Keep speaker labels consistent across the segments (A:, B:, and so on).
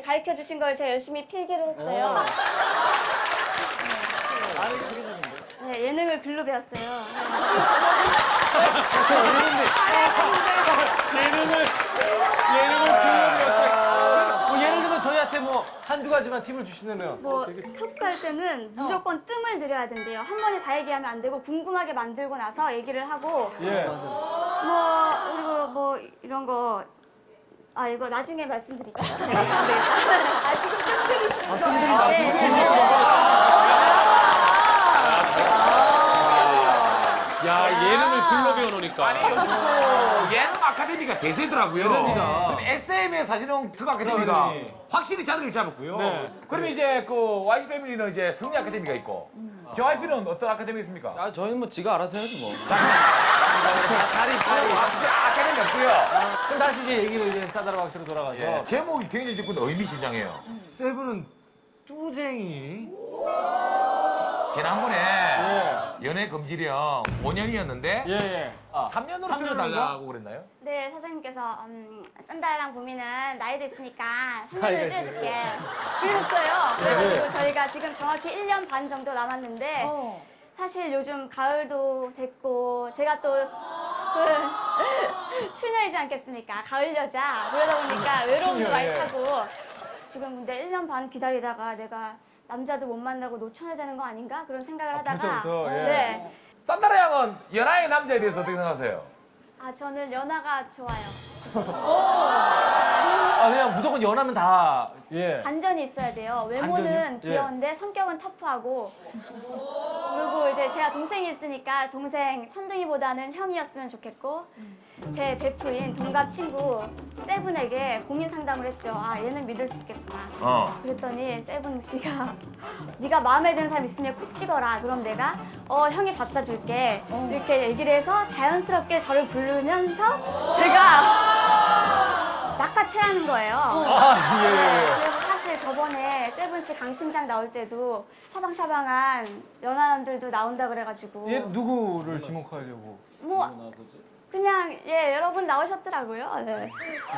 A: 가르쳐 주신 걸 제가 열심히 필기를 했어요. 네, 예능을 글로 배웠어요.
B: 예능을 불러드렸다. 뭐 예를 들면 저희한테 뭐 한두 가지만 팁을 주시면.
A: 뭐 툭 할 때는 무조건 뜸을 들여야 된대요. 한 번에 다 얘기하면 안 되고 궁금하게 만들고 나서 얘기를 하고
B: 예.
A: 뭐 그리고 뭐 이런 거 이거 나중에 말씀드릴게요. 네.
C: 지금 뜸 들이시는 거예요?
D: 야, 예능을 글로 배워놓으니까.
E: 아니 요즘 또 예능 아카데미가 대세더라고요.
B: 그러니까.
E: SM의 사실은 특 아카데미가
B: 네.
E: 확실히 자리를 잡았고요.
B: 네.
E: 그러면 이제 그 YG 패밀리는 이제 승리 아카데미가 있고, JYP는 어떤 아카데미 있습니까?
F: 아, 저희는 뭐 지가 알아서 해야지 뭐.
B: 자리.
E: 아카데미 없고요.
B: 그럼 다시 이제 얘기로 이제 싸다라 박씨로 돌아가서.
E: 예, 제목이 굉장히 지금 의미심장해요.
B: 세븐은 쭈쟁이.
E: 지난번에
B: 예.
E: 연애 금지령 5년이었는데
B: 예.
E: 3년으로 줄여달라고 그랬나요?
A: 네, 사장님께서 썬다랑 보미는 나이도 있으니까
B: 나이가
A: 3년을 줄여줄게. 그랬어요.
B: 네.
A: 그래가지고 저희가 지금 정확히 1년 반 정도 남았는데 사실 요즘 가을도 됐고 제가 또 추녀이지 않겠습니까? 가을 여자. 그러다 보니까 외로움도
B: 추녀,
A: 많이
B: 예.
A: 타고 지금 근데 1년 반 기다리다가 내가 남자도 못 만나고 노처녀 되는 거 아닌가? 그런 생각을 하다가
B: 벌써부터, 예.
A: 네.
E: 산다라 양은 연하의 남자에 대해서 어떻게 생각하세요?
A: 저는 연하가 좋아요.
B: 그냥 무조건 연하면 다. 예.
A: 반전이 있어야 돼요. 외모는
B: 반전이요?
A: 귀여운데 성격은 터프하고 그리고 이제 제가 동생이 있으니까 동생 천둥이보다는 형이었으면 좋겠고 제 베프인 동갑 친구 세븐에게 고민 상담을 했죠. 얘는 믿을 수 있겠구나. 그랬더니 세븐 씨가 네가 마음에 드는 사람 있으면 콕 찍어라. 그럼 내가 형이 밥 사줄게. 이렇게 얘기를 해서 자연스럽게 저를 부르면서 제가 낚아채라는 거예요.
B: 예.
A: 그래서 사실 저번에 세븐 씨 강심장 나올 때도 샤방샤방한 연하남들도 나온다 그래가지고
B: 얘 누구를 지목하려고?
A: 뭐 그냥 여러분 나오셨더라고요. 네.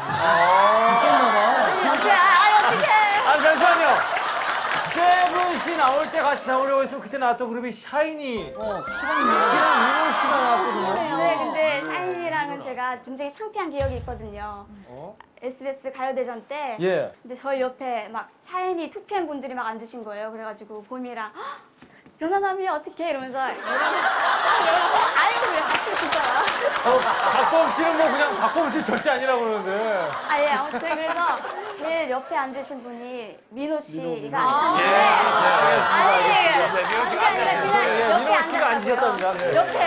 A: 아니 어떡해.
B: 잠시만요. 세븐 씨 나올 때 같이 나오려고 했으면 그때 나왔던 그룹이 샤이니. 희랑 씨가 나왔거든요.
A: 네, 근데 샤이니랑은 제가 굉장히 창피한 기억이 있거든요. SBS 가요대전 때
B: 예.
A: 근데 저희 옆에 막 샤이니 2PM 분들이 막 앉으신 거예요. 그래가지고 봄이랑 연하남이 어떻게 이러면서 아유 왜 같이 진짜라.
B: 박범 씨는 뭐 그냥 박범 씨 절대 아니라고 그러는데.
A: 아무튼 그래서 제일 옆에 앉으신 분이 민호 씨가
E: 예,
A: 앉으셨는데
E: 민호 씨가
A: 아니 그냥 옆에
B: 민호 씨가 앉으셨답니다. 네.
A: 옆에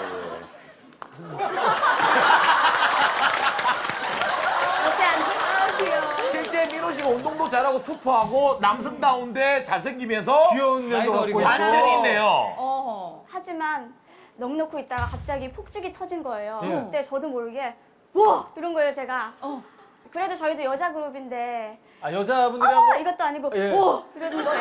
A: 귀여워.
E: 실제 민호 씨가 운동도 잘하고 투표하고 남성다운데 잘생기면서
B: 귀여운 면도 갖고 있고.
E: 반전이 있네요.
A: 하지만 넋놓고 있다가 갑자기 폭죽이 터진 거예요.
B: 예.
A: 그때 저도 모르게 와 이런 거예요 제가. 그래도 저희도 여자 그룹인데
B: 여자분들이랑
A: 이것도 아니고
B: 예.
A: 오 이러는 거예요.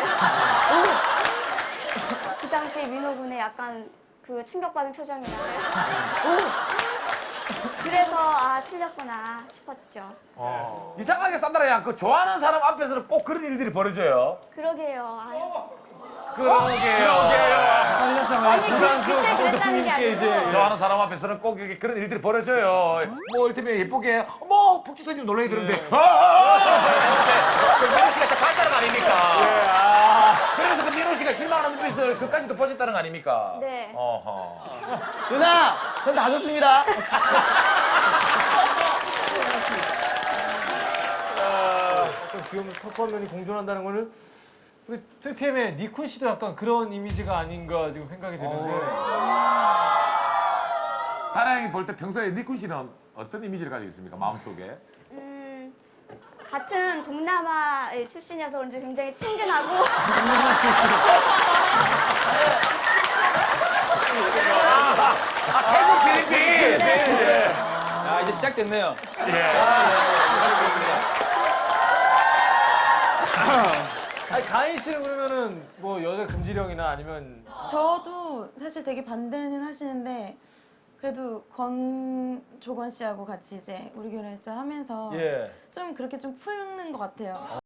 A: 그 당시 민호 군의 약간 그 충격받은 표정이 나요. 그래서 틀렸구나 싶었죠.
E: 이상하게 산다라 양 그 좋아하는 사람 앞에서는 꼭 그런 일들이 벌어져요.
A: 그러게요.
E: 그러게요.
A: 아니 그때 그랬다는 게 아니고
E: 좋아하는 사람 앞에서는 꼭 이렇게 그런 일들이 벌어져요. 뭐 이를테면 예쁘게 어머 폭주 터지면 놀라게 되는데 그 민호 씨가 딱 반다는 거 아닙니까? 그러면서 그 민호 씨가 실망하는 눈빛을 그까지도 보셨다는 거 아닙니까?
A: 네.
F: 누나, 전 다 좋습니다.
B: 어떤 귀여운 턱과 면이 공존한다는 거는 우리 2PM의 니쿤 씨도 약간 그런 이미지가 아닌가 지금 생각이 되는데.
E: 다랑이 볼 때 평소에 니쿤 씨는 어떤 이미지를 가지고 있습니까? 마음속에?
A: 같은 동남아 출신이어서 그런지 굉장히 친근하고
E: 태국 필리핀!
F: 이제 시작됐네요.
B: 가인 씨는 그러면은 뭐 여자 금지령이나 아니면
G: 저도 사실 되게 반대는 하시는데 그래도 권조건 씨하고 같이 이제 우리 결혼했어요 하면서
B: 예.
G: 좀 그렇게 좀 푸는 것 같아요.